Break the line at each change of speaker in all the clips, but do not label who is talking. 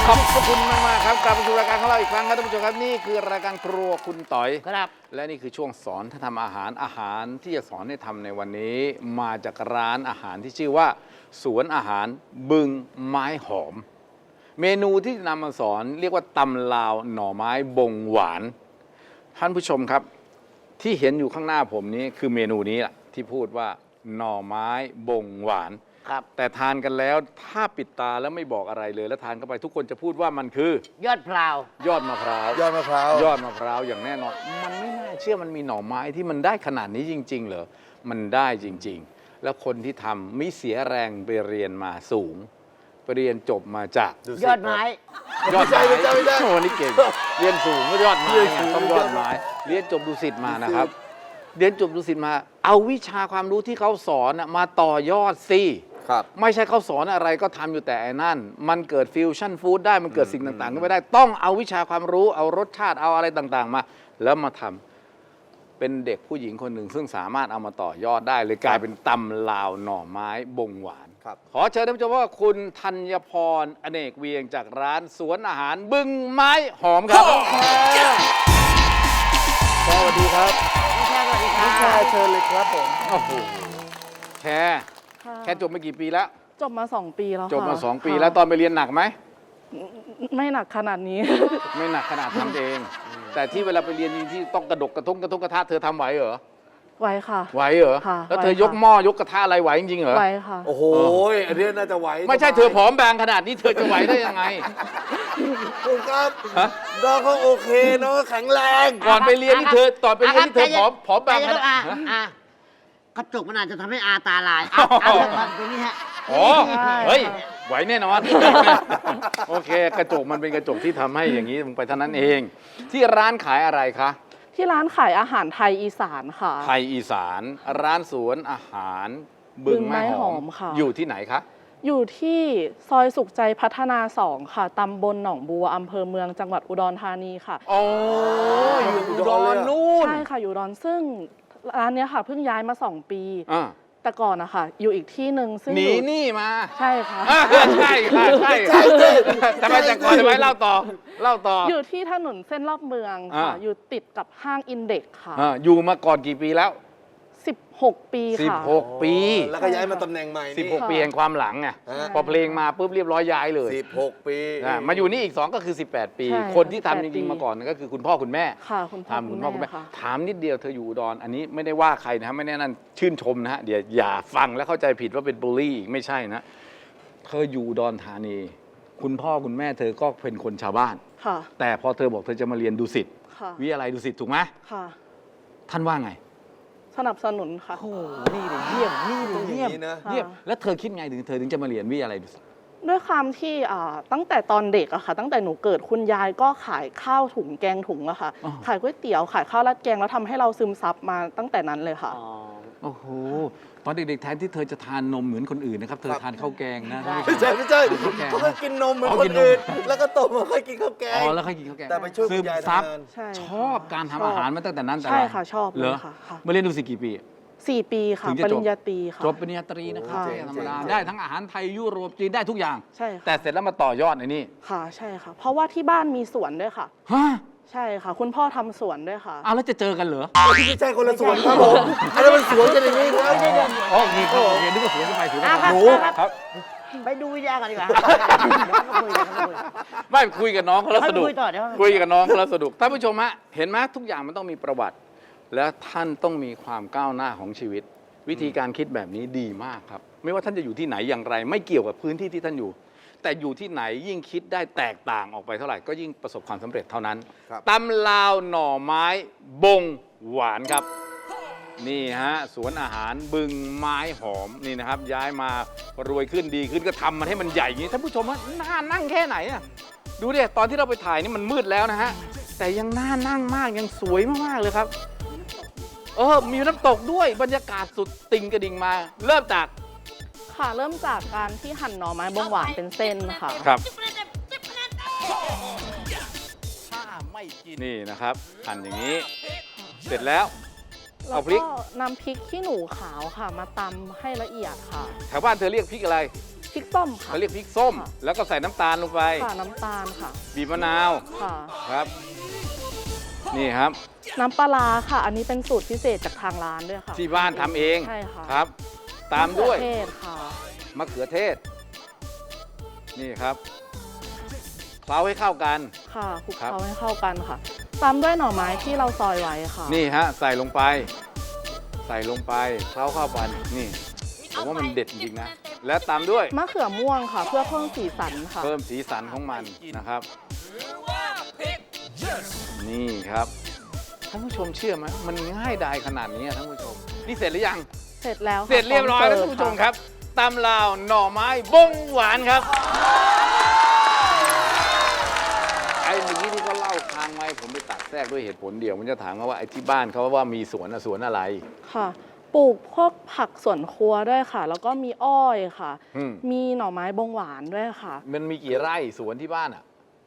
ขอบคุณมากๆครับกลับมาสู่รายการของเราอีกครั้งครับท่านผู้ชมครับนี่คือรายการครัวคุณต๋อย
ครับ
และนี่คือช่วงสอนถ้าทำอาหารที่จะสอนให้ทำในวันนี้ มาจากร้านอาหารที่ชื่อว่า สวนอาหารบึงไม้หอม เมนูที่นำมาสอนเรียกว่าตำลาวหน่อไม้บงหวานท่านผู้ชมครับที่เห็นอยู่ข้างหน้าผมนี้คือเมนูนี้แหละที่พูดว่าหน่อไม้บงหวาน
ครับ
แต่ทานกันแล้วถ้าปิดตาแล้วไม่บอกอะไรเลยแล้วทานเข้าไปทุกคนจะพูดว่ามันคือย
อดพลาวย
อดมะพร้าวย
อดมะพร้าวย
อดมะพร้าวอย่างแน่นอนมันไม่น่าเชื่อมันมีหน่อไม้ที่มันได้ขนาดนี้จริงๆเหรอมันได้จริงๆแล้วคนที่ทำไม่เสียแรงไปเรียนมาสูงไปเรียนจบมาจาก
ยอดไม้
ยอดไม้
ไม่ใช่
โอ้นี่เก่งเรียนสูงก็ยอดไม้ไงต้องยอดไม้เรียนจบดุสิตมานะครับเรียนจบดุสิตมาเอาวิชาความรู้ที่เขาสอนมาต่อยอดสิ
ครับ
ไม่ใช่เขาสอนอะไรก็ทำอยู่แต่ไอ้นั่นมันเกิดฟิวชั่นฟู้ดได้มันเกิดสิ่งต่างๆขึ้นไปได้ต้องเอาวิชาความรู้เอารสชาติเอาอะไรต่างๆมาแล้วมาทำเป็นเด็กผู้หญิงคนหนึ่งซึ่งสามารถเอามาต่อยอดได้เลยกลายเป็นตำลาวหน่อไม้บงหวาน
ครับ
ขอเชิญท่านผู้ชมว่าคุณธัญพรอเนกเวียงจากร้านสวนอาหารบึงไม้หอมครับสวัสดีครับ
พี่ชายสวัสดีครั
พี่ชาย
บ
เชิญเลยครับผม
โอ้โหแค่จบมากี่ปีแล้ว
จบมา2 ปีแล้วค่ะ
จบมา2 ปี
ค่ะ
แล้วตอนไปเรียนหนักไหม
ไม่หนักขนาดนี้
ไม่หนักขนาดทำเอง แต่ที่เวลาไปเรียนที่ต้องกระดกกระทงกระทะเธอทำไหวเหรอ
ไว้ค่ะ
ไหวเหรอ
ค่ะ
แล้วเธอ
ไหวค่ะ
ยกหม้อยกกระทะอะไรไหวจริงๆเหรอ
ไว้ค่ะ
โอ้โหอันนี้น่าจะไหว
ไม่ใช่เธอผอมบางขนาดนี้เธอจะไหวได้ยังไง
คุณครับ
ฮะ
น้องเขาโอเคน้องเขาแข็งแรง
ก่อนไปเรียนนี่เธอตอนไปเรียนนี่เธอผอมบางขนาด
กระจกมันอาจจะทำให้อาตาลายเอาตรงนี้ฮะ
อ๋อ
ใช่
เฮ้ยไหวแน่นอนโอเค กระจกมันเป็นกระจกที่ทำให้อย่างนี้ลงไปเท่านั้นเอง ที่ร้านขายอะไรคะ
ที่ร้านขายอาหารไทยอีสานค่ะ
ไทยอีสานร้านสวนอาหารบึงไม้หอม
ค่ะ
อยู่ที่ไหนคะ
อยู่ที่ซอยสุขใจพัฒนา2ค่ะตำบลหนองบัวอำเภอเมืองจังหวัดอุดรธานีค่ะ
โอ้อยู่อุดรนู่น
ใช่ค่ะอยู่อุดรซึ่งร้านเนี้ยค่ะเพิ่งย้ายมา 2 ปี
อ่า
แต่ก่อนนะคะอยู่อีกที่หนึ่งซึ่ง
หนี
อยู่
หนี่มา
ใช่ค่ะ
ใช่ค่ะใช่ทำไมแต่ก่อนทำไมเล่าต่อ
อยู่ที่ถนนเส้นรอบเมืองค่ะ อยู่ติดกับห้างอินเด็กซ์ค่ะ
อยู่มาก่อนกี่ปีแล้ว
16 ปีค่ะ
16 ปี
แล้วก็ย้ายมาตำแหน่งใหม่นี่
16 ปีแห่งความหลังไง
ฮะ
พอเพลงมาปุ๊บเรียบร้อยย้ายเลย
16 ปี
มาอยู่นี่อีก 2 ก็คือ 18 ปี
ใช่
คนที่ทำจ
18
ริงๆมาก่อนก็คือคุณพ่อคุณแม่
ค่ะคุณพ่อ
ทำคุณพ่อคุณแม่
ค่ะ
ถามนิดเดียวเธออยู่อุดรอันนี้ไม่ได้ว่าใครนะฮะไม่แน่นั่นชื่นชมนะฮะเดี๋ยวอย่าฟังแล้วเข้าใจผิดว่าเป็นบูลลี่ไม่ใช่นะเธออยู่อุดรธานี คุณพ่อคุณแม่เธอก็เป็นคนชาวบ้าน
ค่ะ
แต่พอเธอบอกเธอจะมาเรียนดุสิต
ค่ะ
วิทยาลัยดุสิตถูกไหม
ค่ะ
ท่านว่าไง
สนับสนุนค่ะ
โอ้นี่เลยเยี่ยมนี่เลยเยี่ยม
อย่างนี้นะ
เยี่ยมแล้วเธอคิดไงเธอถึงจะมาเรียนวิทยาลัยดุสิต
ด้วยความที่ตั้งแต่ตอนเด็กอะค่ะ ตั้งแต่หนูเกิดคุณยายก็ขายข้าวถุงแกงถุงอะค่ะ
อ๋อ
ขายก๋วยเตี๋ยวขายข้าวราดแกงแล้วทำให้เราซึมซับมาตั้งแต่นั้นเลยค่ะ
โอ้โหตอนเด็กๆแทนที่เธอจะทานนมเหมือนคนอื่นนะครับเธอทานข้าวแกงนะ
ไม่ใช่เขาก็กินนมเหมือนคนอื่นแล้วก็โตมาค่อยกินข้าวแกง
อ๋อแล้วค่อยกินข้าวแกง
แต่ไปช่วย
ซึ
คุ
ม
ณยาย
ซับ
ทำงาน
ใช่
ชอบการทำอาหารมาตั้งแต่นั้นแต่
ใช่
ไร
ค่ะชอบ
เห
เล
ร
ย
อ
ค่ะ
มาเรียนดุสิตกี่ปี
4 ปีค่ะ
ถึงจะ
ป
จบ
ริญญาตรีค่ะ
จบปริญญาตรีนะครับ
ค่ะ
ธรรมดา
เจ๋งๆ
ได้ทั้งอาหารไทยยุโรปจีนได้ทุกอย่าง
ใช่ค่ะ
แต่เสร็จแล้วมาต่อยอดในนี่
ค่ะใช่ค่ะ เพราะว่าที่บ้านมีสวนด้วยค่ะ
ฮะ
ใช่ค่ะ คุณพ่อทำสวนด้วยค่ะ
อ้าวแล้วจะเจอกันเหรอ
ไม่ใช่คนละสวนครับผมอันนั้นมันสวนกันอย่างนี้ครับ
อ๋อนี่ครับเรียนนึกว่าสวนกันไปสวนกันมา
หนู
ครับ
ไปดูวิทยากันดีกว่าคุยกัน
ไม่คุยกับน้องเขาแล้วสนุก
คุยต่อเดี๋ยว
คุยกับน้องเขาแล้วสนุกท่านผู้ชมฮะเห็นไหมทุกอย่างมันต้องมีประวัติ และท่านต้องมีความก้าวหน้าของชีวิต วิธีการคิดแบบนี้ดีมากครับ ไม่ว่าท่านจะอยู่ที่ไหนอย่างไร ไม่เกี่ยวกับพื้นที่ที่ท่านอยู่ แต่อยู่ที่ไหนยิ่งคิดได้แตกต่างออกไปเท่าไหร่ก็ยิ่งประสบความสำเร็จเท่านั้น
ครับ
ตำลาวหน่อไม้บงหวานครับ นี่ฮะสวนอาหารบึงไม้หอมนี่นะครับ ย้ายมารวยขึ้นดีขึ้นก็ทำมันให้มันใหญ่อย่างนี้ท่านผู้ชมว่าน่านั่งแค่ไหนอะดูดิตอนที่เราไปถ่ายนี่มันมืดแล้วนะฮะแต่ยังน่านั่งมากยังสวยมากๆเลยครับมีน้ำตกด้วยบรรยากาศสุดติงกระดิ่งมา เริ่มจาก
ค่ะ เริ่มจากการที่หั่นหน่อไม้บงหวานเป็นเส้นค่ะ
ครับถ้าไม่กินนี่นะครับหั่นอย่างนี้ เสร็จแล้ว
แล้
เอา
ว
พริก
ก็นำพริกขี้หนูขาวค่ะ มาตำให้ละเอียดค่ะ
แถวบ้านเธอเรียกพริกอะไร
พริกส้มค่ะ
เขาเรียกพริกส้ม
ค่ะ
แล้วก็ใส่น้ำตาลลงไป
ค่ะน้ำตาลค่ะ
บีบมะนาว
ค่ะ
ครับ นี่ครับ
น้ำปลาร้าค่ะ อันนี้เป็นสูตรพิเศษจากทางร้านด้วยค่ะ
ที่บ้านทำเอง
ใช่ค่ะ
ครับ ตามด้วย
มะเขือเทศค่ะ
มะเขือเทศ นี่ครับเคล้าให้เข้ากัน
ค่ะคลุก
ครับ
เคล้าให้เข้ากันค่ะ ตามด้วยหน่อไม้ที่เราซอยไว้ค่ะ
นี่ฮะใส่ลงไป ใส่ลงไปเคล้าเข้ากันนี่ผมว่ามันเด็ดจริงๆนะ และตามด้วย
มะเขือม่วงค่ะ เพื่อเพิ่มสีสันค่ะ
เพิ่มสีสันของมันนะครับ นี่ครับท่านผู้ชมเชื่อไหมมันง่ายดายขนาดนี้อะท่านผู้ชม นี่เสร็จหรือยัง
เสร็จแล้วค่ะ
เสร็จเรียบร้อยแล้ว
พ
ท่าน
ม
ผู้ช
เสิ
ม
ฟ
ครับตำลาวหน่อไม้บงหวานครับไอ้เมื่อกี้ที่เขาเล่าค้างไว้ผมไปตัดแทรกด้วยเหตุผลเดียวมันจะถามว่าไอ้ที่บ้านเขาว่ามีสวนอะสวนอะไร
ค่ะ ปลูกพวกผักสวนครัวด้วยค่ะ แล้วก็มีอ้อยค่ะ
อืม
มีหน่อไม้บงหวานด้วยค่ะ
มันมีกี่ไร่สวนที่บ้านอ่ะ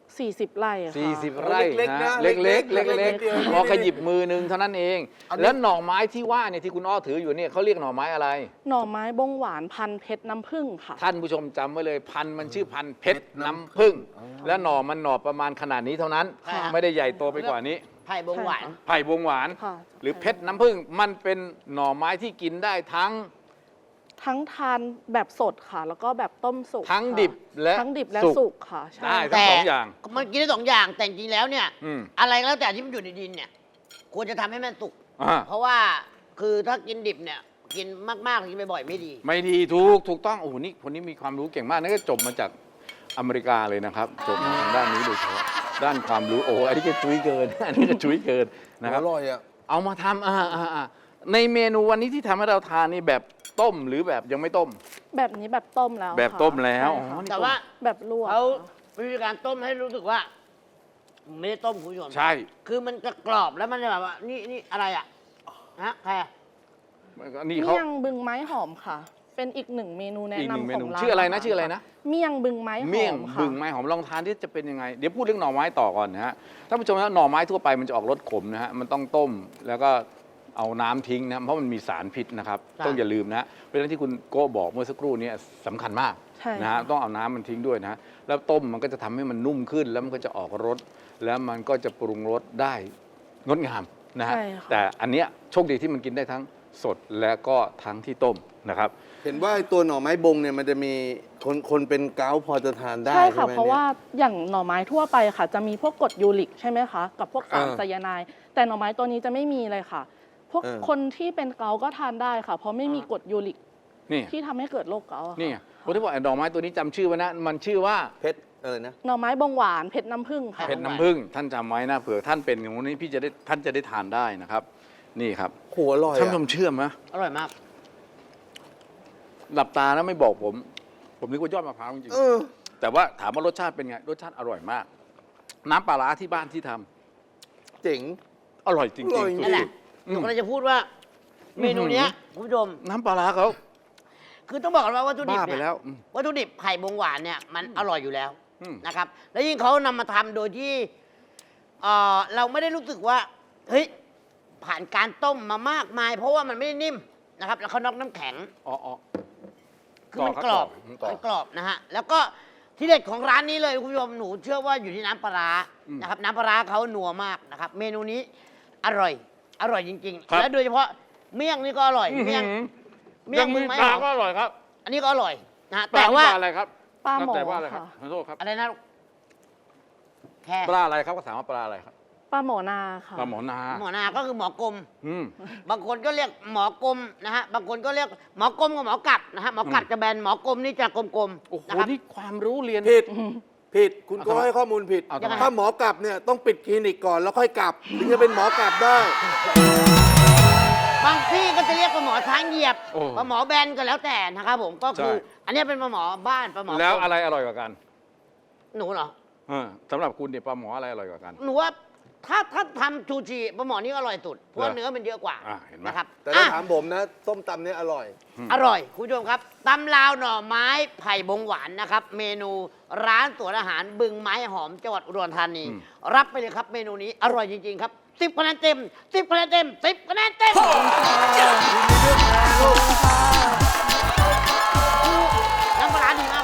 40 ไร่ค่ะ
40 ไร่
เล็กๆ
นะ
นะ
เล็กๆ
เล็
เล็
กๆ
ก
เดียว
ๆพอขยิบมือนึงเท่านั้นเอง แล้วหน่อไม้ที่ว่าเนี่ยที่คุณอ้อถืออยู่เนี่ยเขาเรียกหน่อไม้อะไร
หน่อไม้บงหวานพันธุ์เพชรน้ำผึ้งค่ะ
ท่านผู้ชมจำไว้เลยพันธุ์มันชื่อพันธุ์เพชรน้ำผึ้งและหน่อมันหน่อประมาณขนาดนี้เท่านั้น
ค่ะ
ไม่ได้ใหญ่โตไปกว่านี้
ไผ่บงหวาน
ไผ่บงหวาน
ค่ะ
หรือเพชรน้ำผึ้งมันเป็นหน่อไม้ที่กินได้ทั้ง
ทั้งทานแบบสดค่ะ แล้วก็แบบต้มสุก
ทั้ง
ค่ะ
ดิบและ
ทั้งดิบและ
สุก
สุกค่ะใช่
ได้ทั้งสองอย่าง
มันกินได้2 อย่าง แต่จริงๆแล้วเนี่ย
อืม
อะไรก็แล้วแต่ที่มันอยู่ในดินเนี่ย ควรจะทำให้มันสุก
อ่า
เพราะว่าคือถ้ากินดิบเนี่ย กินมากๆกินบ่อยๆไม่ดี
ไม่ดีถูกต้องโอ้โหนี่คนนี้มีความรู้เก่งมากนั่นก็จบมาจากอเมริกาเลยนะครับจบมาทางด้านนี้โดยเฉพาะด้านความรู้โอ้โหอันนี้ก็จุ้ยเกิน อันนี้ก็จุ้ยเกินนะครับ
อร่อยอ่ะ
เอามาทำในเมนูวันนี้ที่ทำให้เราทานนี่แบบต้มหรือแบบยังไม่ต้ม
แบบนี้แบบต้มแล้ว
แบบ
ค่ะ
ต้มแล้ว
ใช่ค่ะ
อ๋อนี่
แต่ว่า
แบบลวก
เขา
ค่ะ
วิธีการต้มให้รู้สึกว่าไม่ได้ต้มคุณผู้ชม
ใช่
คือมันจะกรอบแล้วมันจะแบบว่า นี่อะไรอ่ะฮะใครอะ
นี่เขา
เมี่ยงบึงไม้หอมค่ะ เป็นอีกหนึ่งเมนูแนะ
อีกหนึ่ง
นำ
เม
ขอ
นู
งร้าน
ชื่ออะไรนะ
าหา
ชื่ออะไรนะ
เมี่ยงบึงไม้หอม
เมี่ยง
ค่ะ
บึงไม้หอมลองทานที่จะเป็นยังไง เดี๋ยวพูดเรื่องหน่อไม้ต่อก่อนนะฮะท่านผู้ชมนะหน่อไม้ทั่วไปมันจะออกรสขมนะฮะมันต้องต้มแล้วก็เอาน้ำทิ้งนะเพราะมันมีสารพิษนะครับ ต้องอย่าลืมนะฮะเพราะฉะนั้นที่คุณโก้บอกเมื่อสักครู่นี้สำคัญมาก
ใช่
นะฮะต้องเอาน้ำมันทิ้งด้วยนะฮะแล้วต้มมันก็จะทำให้มันนุ่มขึ้น แล้วมันก็จะออกรสแล้วมันก็จะปรุงรสได้งดงามนะฮะ
ใช่ค่ะ
แต่อันเนี้ยโชคดีที่มันกินได้ทั้งสดและก็ทั้งที่ต้มนะครับ
เห็นว่าไอ้ตัวหน่อไม้บงเนี่ยมันจะมีคนเป็นเกาต์พอจะทานได้
ใช่
ใช่
ค่ะ
ไหม
เพราะว่าอย่างหน่อไม้ทั่วไปค่ะ จะมีพวกกรดยูริกใช่ไหมคะ กับพวกสารไซยาไนด์แต่หน่อไม้ตัวนี้จะไม่มีเลยค่ะ พวกคนที่เป็นเกาต์ก็ทานได้ค่ะ เพราะไม่มีกรดยูริก
นี่
ที่ทำให้เกิดโรคเกาต์อะค่ะ
นี่ไงผมที่บอกไอ้ดอกไม้ตัวนี้จำชื่อไว้นะมันชื่อว่า
เพชรอะไรนะ
หน่อไม้บงหวานเผ็ดน้ำผึ้งค่ะ
เผ็ดน้ำผึ้งท่านจำไว้นะเผื่อท่านเป็นอย่างนี้พี่จะได้ท่านจะได้ทานได้นะครับ นี่ครับ
โหอร่อย
ท่าน
อ่ะ
ผู้ชมเชื่อไหม
อร่อยมาก
หลับตาแล้วไม่บอกผมนึกว่ายอดมะพร้าวจริง
เออ
ๆแต่ว่าถามว่ารสชาติเป็นไงรสชาติอร่อยมาก น้ำปลาร้าที่บ้านที่ทำ
เจ๋ง
อร่อยจริง
อร่อย
ๆ
นั่นแหละ
อื
หนู
ม
กำลังจะพูดว่า เมนูเนี้ยคุณผู้ชม
น้ำปลาร้าเขา
คือต้องบอกกันว่าวัตถุดิบ
บ้าไป
เนี่ย
แล้ว
วัตถุดิบไผ่บงหวานเนี่ยมันอร่อยอยู่แล้ว
อืม
นะครับ แล้วยิ่งเขานำมาทำโดยที่เราไม่ได้รู้สึกว่าเฮ้ยผ่านการต้มมามากมาย เพราะว่ามันไม่ได้นิ่มนะครับ แล้วเขาน็อกน้ำแข็ง
อ๋อ
คือมัน
ต่อครับ
กรอบ
ต่อ
มันกรอบนะฮะ แล้วก็ที่เด็ดของร้านนี้เลยคุณผู้ชมหนูเชื่อว่าอยู่ที่น้ำปลาร้านะครับ น้ำปลาร้าเขานัวมากนะครับ เมนูนี้อร่อย อร่อยจริง
ครับ
ๆ และโดยเฉพาะเมี่ยงนี่ก็อร่อย เมี่ยง
ยังมี
ไม้
ปลา
หอม
ก็อร่อยครับ
อันนี้ก็อร่อยนะฮะ
ปลา
แต่ว่า
ปลาอะไรครับ
ปลาหมอ
แต่ว่าอะไรครับ
ค่ะ
ขอโทษครับ
อะไรนะลูกแค่
ปลาอะไรครับก็ถามว่าปลาอะไรครับ
ปลาหมอนาค่ะ
ปลาหมอนา
หมอนาก็คือหมอกลม
อืม
บางคนก็เรียกหมอกลมนะฮะ บางคนก็เรียกหมอกลมกับหมอกัดนะฮะ หมอกัดจะแบน หมอกลมนี่จะกลม
โอ้โห
ๆนะครับ
นี่ความรู้เรียน
ผิด ผิด คุณ
เอา
ก็
ทำไม
ให้ข้อมูลผิด
เอาทำไม
ถ้าหมอกลับเนี่ยต้องปิดคลินิกก่อนแล้วค่อยกลับ ถึงจะเป็นหมอกลับได้
บางที่ก็จะเรียกปลาหมอช้างเหยียบ
โอ้
ปลาหมอแบนก็แล้วแต่นะครับผม ก็คือ
ใช่
อันนี้เป็นปลาหมอบ้านปลาหมอ
แล้วอะไรอร่อยกว่ากัน
หนูเหรอ
สำหรับคุณเนี่ยปลาหมออะไรอร่อยกว่ากัน
หนูว่าถ้าทำชูชีปลาหมอนี่ก็อร่อยสุด เพราะว่า
เหรอ
เนื้อมันเยอะกว่า
เห็นไหม
นะครับ
แต่ถ้า
อ่ะ
ถามผมนะส้มตำเนี่ยอร่อย
อร่อย คุณผู้ชมครับตำลาวหน่อไม้ไผ่บงหวานนะครับ เมนูร้านสวนอาหารบึงไม้หอมจังหวัดอุดรธานี รับไปเลยครับเมนูนี้อร่อยจริง ๆ ครับ10 คะแนนเต็ม10 คะแนนเต็ม10 คะแนนเต็มน้ำปลาร้าดีมาก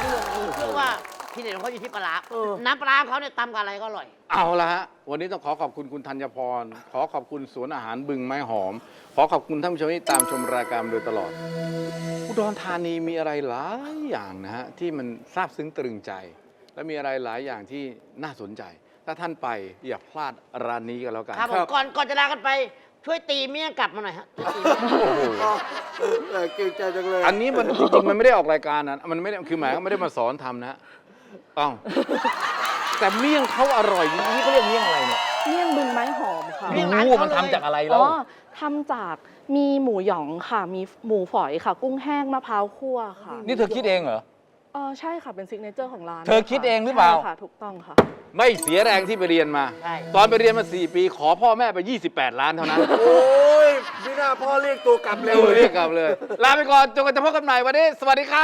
ที่เด็ดของเขาอยู่ที่ปลาร้าน้ำปลาร้าของเขาเนี่ยตำกับอะไรก็อร่อย
เอาละฮะ วันนี้ต้องขอขอบคุณคุณธัญพร ขอขอบคุณสวนอาหารบึงไม้หอม ขอขอบคุณท่านผู้ชมที่ตามชมรายการมาโดยตลอด อุดรธานีมีอะไรหลายอย่างนะฮะที่มันซาบซึ้งตรึงใจ และมีอะไรหลายอย่างที่น่าสนใจ ถ้าท่านไปอย่าพลาดร้านนี้กันแล้วกัน
ครับผมก่อนจะลากันไปช่วยตีเมี่ยงกลับมาหน่อยฮะช่วยตีเมี่ยง
โอ้โห
เก่งใจจังเลย
อันนี้มันจริงๆมันไม่ได้ออกรายการนะมันไม่ได้คือหมายเขาไม่ได้มาสอนทำนะอ้าวแต่เมี่ยงเขาอร่อยจริงๆนี่เขาเรียกเมี่ยงอะไรเนี่ย
เมี่ยงบึงไม้หอมค่ะ
เมี่ยงร้าน
รู้
เขา
มัน
เลย
ทำจากอะไร
อ๋
แล้ว
อทำจากมีหมูหยองค่ะ มีหมูฝอยค่ะ กุ้งแห้งมะพร้าวคั่วค่ะ
นี่เธอคิดเองเหรอ
ใช่ค่ะเป็นซิกเนเจอร์ของร้าน
เธอคิดเองหรือเปล่า
ใช่ค่ะถูกต้องค่ะ
ไม่เสียแรงที่ไปเรียนมา
ใช่
ตอนไปเรียนมา 4 ปีขอพ่อแม่ไป 28 ล้านเท่านั้น
โอ้ยไม่น่าพ่อเรียกตัวกลับเร็ว
เรียกกลับเลย ลาไปก่อนจนกว่าจะพบกันใหม่วันนี้ สวัสดีครับ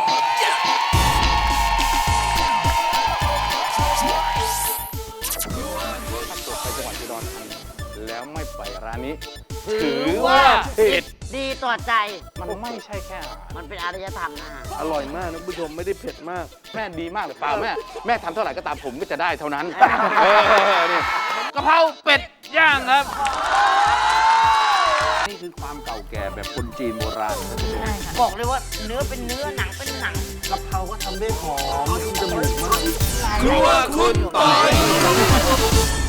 ไปจังหวัดอุดรธานีแล้วไม่ไปร้านนี้ ถือว่าผิด
ดีต่อใจ
มันไม่ใช่แค่อาหาร
มันเป็นอารยธรรมนะฮะ
อร่อยมากนะคุณผู้ชมไม่ได้เผ็ดมาก
แม่ดีมากเลยเปล่าแม่ทำเท่าไหร่ก็ตามผมก็จะได้เท่านั้นนี่กะเพราเป็ดย่างครับ นี่คือความเก่าแก่แบบคนจีนโบราณนะท่านผู้ชม
บอกเลยว่าเนื้อเป็นเนื้อหนังเป็นหนัง
กะเพราก็ทำได้หอมจมูกมาก
ครัวคุณปอย